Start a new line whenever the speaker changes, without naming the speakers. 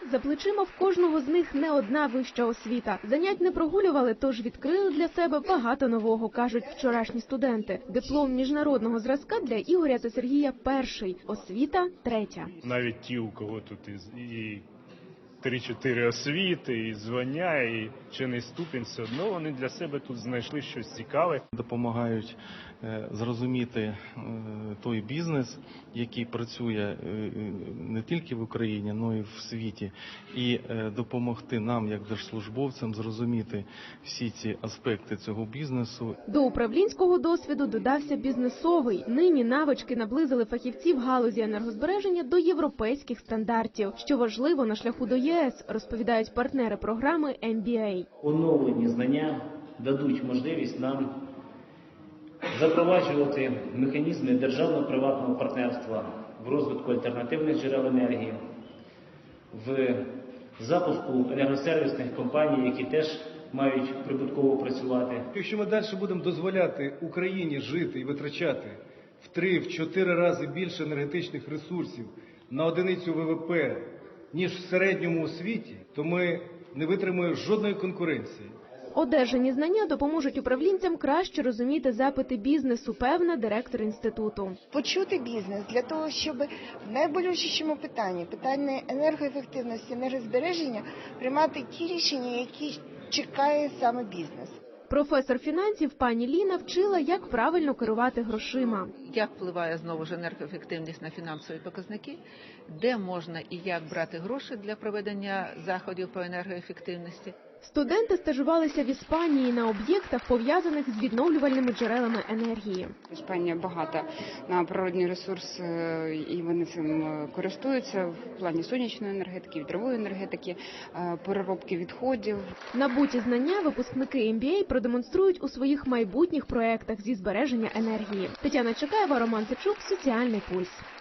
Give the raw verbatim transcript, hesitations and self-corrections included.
За плечима в кожного з них не одна вища освіта. Занять не прогулювали, тож відкрили для себе багато нового, кажуть вчорашні студенти. Диплом міжнародного зразка для Ігоря та Сергія перший, освіта третя.
Навіть ті, у кого тут і три-чотири освіти, і звання, і чинний ступінь, все одно вони для себе тут знайшли щось цікаве.
Допомагають зрозуміти той бізнес, який працює не тільки в Україні, але й в світі, і допомогти нам, як держслужбовцям, зрозуміти всі ці аспекти цього бізнесу.
До управлінського досвіду додався бізнесовий. Нині навички наблизили фахівців галузі енергозбереження до європейських стандартів, що важливо на шляху до ЄС, розповідають партнери програми ем бі ей.
Оновлені знання дадуть можливість нам запроваджувати механізми державно-приватного партнерства в розвитку альтернативних джерел енергії, в запуску енергосервісних компаній, які теж мають прибутково працювати.
Якщо ми далі будемо дозволяти Україні жити і витрачати в три-чотири рази більше енергетичних ресурсів на одиницю ве ве пе, ніж в середньому у світі, то ми не витримуємо жодної конкуренції.
Одержані знання допоможуть управлінцям краще розуміти запити бізнесу, певна директор інституту.
Почути бізнес для того, щоб в найболючішому питанні, питанні енергоефективності, енергозбереження, приймати ті рішення, які чекає саме бізнес.
Професор фінансів пані Ліна вчила, як правильно керувати грошима.
Як впливає знову ж енергоефективність на фінансові показники, де можна і як брати гроші для проведення заходів по енергоефективності.
Студенти стажувалися в Іспанії на об'єктах, пов'язаних з відновлювальними джерелами енергії.
Іспанія багата на природні ресурси, і вони цим користуються в плані сонячної енергетики, вітрової енергетики, переробки відходів.
Набуті знання випускники ем бі ей продемонструють у своїх майбутніх проєктах зі збереження енергії. Тетяна Чекаєва, Роман Сичук, Соціальний пульс.